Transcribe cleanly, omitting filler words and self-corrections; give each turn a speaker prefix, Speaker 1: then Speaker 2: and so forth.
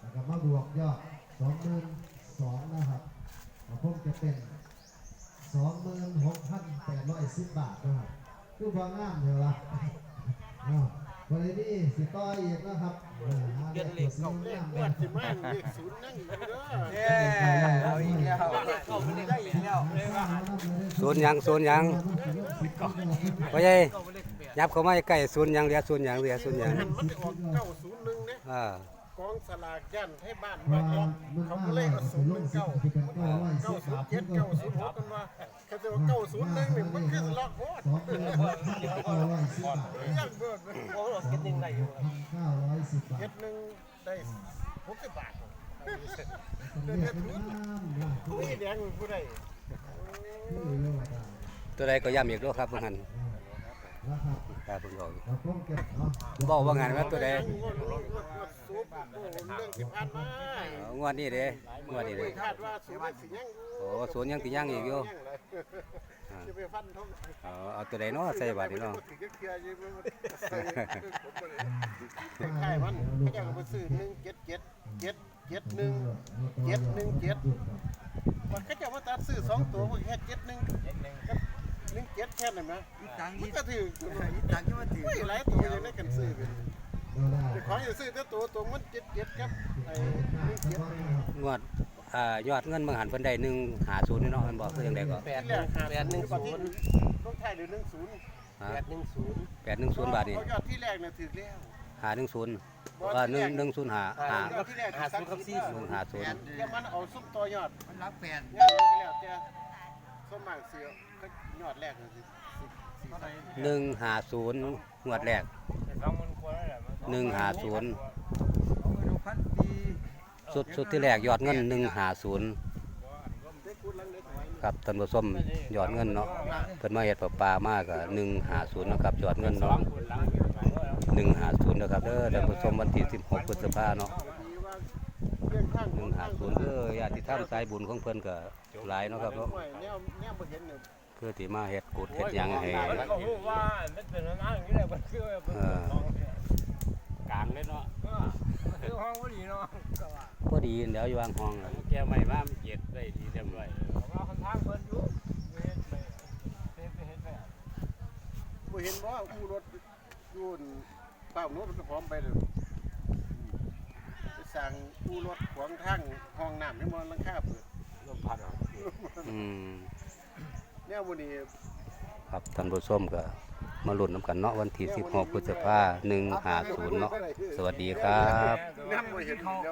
Speaker 1: แล้วก็มาบวกยอด22,000นะครับผมจะเป็น26,810 บาทนะครับคือพองามเลยวะวันนี้สิต่ออีกนะครับเดือนเหล็กเขาเล่นเดือนสิมาเลขศูนย์นั่งอยู่เด้อ
Speaker 2: เอาอีกแล้วเข้าไม่ได้อีกแล้ว
Speaker 3: ศูนย์ยังพ่อใหญ่ยับเข้ามาใกล้ศูนย์ยังเหลือศูนย์ยังเหลือศูนย์ยัง
Speaker 4: มันออก901เนี่ยกองสลากยันให้บ้านมาเขาก็เลยเอา019 907 906กันว่าเขาจะว่า901นี่มันคือล็อกโคตรยังเบิดโอ้โหเก็ต1ได้อยู่เก็ต1ได้60 บาทนี่แดงผู้ใด
Speaker 3: ตัวใดก็ย้ำอีกด้วยครับพวกนั้นครับผมบอกว่างานว่าตัวใดงวดนี้เด้งวดนี้เด้โอ้ศูนย์ยังติยังอีกอยู่เอาตัวใดเนาะใส่บาทนี่เนาะ
Speaker 4: ใช่มันเขาจะมาซื้อ177771717มันเขาจะมาตัดซื้อ2ตัวมันแค่17แค่นั้นนะมันก็ถือ
Speaker 2: ต่างที่ว่าถือ
Speaker 4: ไม่หลายตัวยังได้กันซื้อกันของอย่าซื้อแต่ตัวมัน77ครับไอ้
Speaker 3: งวดยอดเงินบางหันเพิ่นได้150นี่เนาะมันบอกคือจังได๋ก็
Speaker 4: 810ต้องถ่ายหรือ10
Speaker 3: 810บาทนี่
Speaker 4: ยอดที่แรกน่ะถึกแล้ว
Speaker 3: 510 105
Speaker 4: ที่แรก50กับ40
Speaker 3: 150
Speaker 4: แล้วมันเอาซุ่มตัวยอด
Speaker 2: มันรับแฟน
Speaker 4: เนี่ยแล้วแต่ส้มหมากเสือก็ยอดแรกน่ะ
Speaker 3: 150งวดแรก150สุดที่แรกยอดเงิน150ครับท่านผู้ชมยอดเงินเนาะเพิ่นมาเฮ็ดประปามากก็150นะครับยอดเงินเนาะ150นะครับเด้อท่านผู้ชมวันที่16พฤษภาคมเนาะ150ญาติธรรมสายบุญของเพิ่นก็หลายเนาะครับเนาะเพื่อที่มาเฮ็ดกุดเฮ็ดหยังให้
Speaker 5: กลางเลยเนาะ
Speaker 2: ห้องพอดีเนาะ
Speaker 3: พอดีเดี๋ยวอยู่วางห้อง
Speaker 5: แกไม่ว่ามันเจ็ดได้ดีเรียบร้อย
Speaker 2: ว่าคนทางเพิ่นอยู่เ
Speaker 4: ห็นว่าอูรถยูนเปล่าโน้ตมันพร้อมไปเลยไปสั่งอูรถขวางทางห้องน้ำให้มันลังคาเปิด
Speaker 5: ลมพัด
Speaker 4: เนี่ยวันนี้
Speaker 3: ครับท่านผู้ชมก็มาลุ้นน้ำกันเนาะวันที่16พฤษภาคม150เนาะสวัสดีครับ